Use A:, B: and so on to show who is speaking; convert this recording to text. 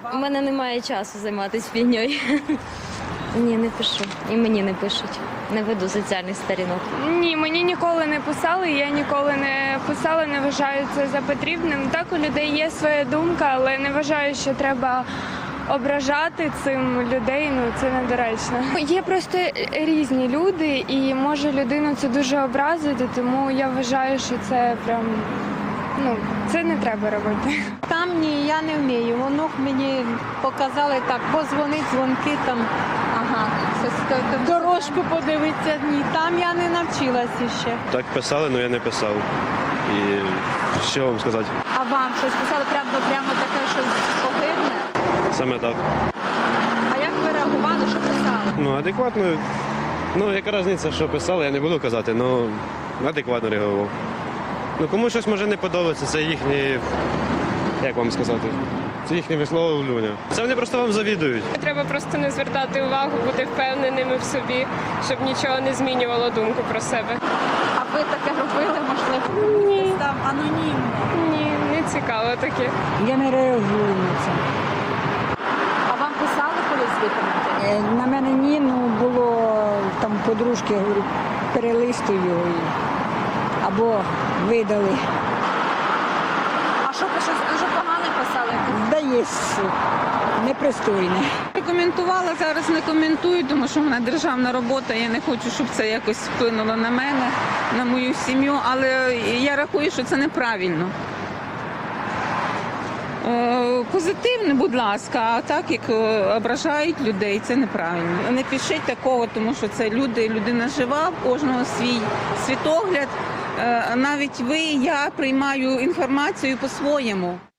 A: У мене немає часу займатися фігньою. Ні, не пишу. І мені не пишуть. Не веду соціальних сторінок.
B: Ні, мені ніколи не писали, я ніколи не писала, не вважаю це за потрібним. Так, у людей є своя думка, але не вважаю, що треба ображати цим людей, це недоречно. Є просто різні люди, і може людину це дуже образити, тому я вважаю, що це прям, це не треба робити.
C: Там ні, я не вмію. Воно мені показали так, позвонить, дзвонки там, дорожку подивитися. Ні, там я не навчилася ще.
D: Так писали, але я не писав. І що вам сказати?
C: А вам щось писали прямо таке, щось огидне?
D: Саме так.
C: А як ви реагували, що писали?
D: Адекватно. Яка різниця, що писали, я не буду казати, адекватно реагував. Кому щось може не подобається, це їхні, як вам сказати, це їхнє висловлювання. Це вони просто вам завідують.
E: Треба просто не звертати увагу, бути впевненими в собі, щоб нічого не змінювало думку про себе.
C: А ви таке робили, можливо?
E: Ні.
C: Там анонімно.
E: Ні, не цікаво таке.
F: Я не реагую на це.
C: А вам писали колись виконати?
F: На мене ні, було там подружки, говорю, перелистуй його або видали.
C: А що дуже погано писали?
F: Да є непристойне.
G: Коментувала, зараз не коментую, тому що в мене державна робота, я не хочу, щоб це якось вплинуло на мене, на мою сім'ю, але я рахую, що це неправильно. Позитивне, будь ласка, а так, як ображають людей, це неправильно. Не пишіть такого, тому що це людина жива, в кожного свій світогляд. Навіть ви, я приймаю інформацію по-своєму.